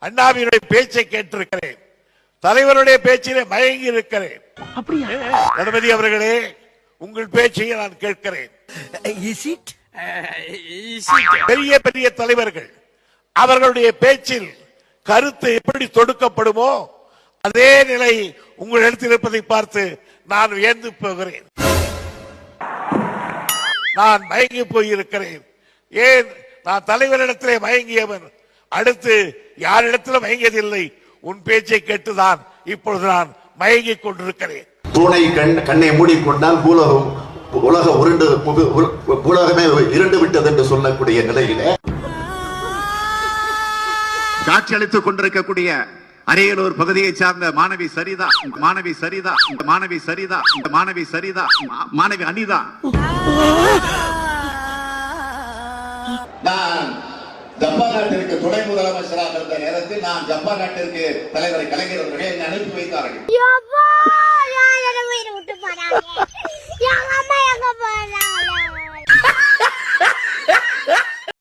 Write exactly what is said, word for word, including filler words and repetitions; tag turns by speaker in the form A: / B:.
A: அண்ணாவினுடைய பேச்சை கேட்டிருக்கிறேன், தலைவருடைய பேச்சிலே மயங்கி இருக்கிறேன். கணபதி அவர்களே, உங்கள் பேச்சை நான் கேட்கிறேன். பெரிய பெரிய தலைவர்கள் அவர்களுடைய பேச்சில் கருத்து எப்படி தொடுக்கப்படுமோ அதே நிலை உங்கள் இடத்தில் இருப்பதை பார்த்து நான் வியந்து போகிறேன். நான் மயங்கி போயிருக்கிறேன். ஏன்? நான் தலைவரிடத்திலே மயங்கியவன், அடுத்து யாரிடத்திலும் மயங்கியதில்லை. உன் பேச்சை கேட்டுதான் இப்பொழுது நான் மயங்கிக் கொண்டிருக்கிறேன்.
B: தூணை கண் கண்ணை மூடிக்கொண்டால் பூலகம் உலக உருண்டு உலகமே இருண்டு விட்டது என்று சொல்லக்கூடிய நிலையில காட்சி அளித்துக் கொண்டிருக்கக்கூடிய அரியலூர் பகுதியை சார்ந்த மாணவி சரிதா மாணவி சரிதா மாணவி சரிதா மாணவி சரிதா மாணவி அனிதா, நான் ஜப்பான் நாட்டிற்கு துணை முதலமைச்சராக இருந்த நேரத்தில் நான் ஜப்பான் நாட்டிற்கு தலைவரை கலைஞர் அவர்கள் என்னை அனுப்பி வைத்தார்கள்.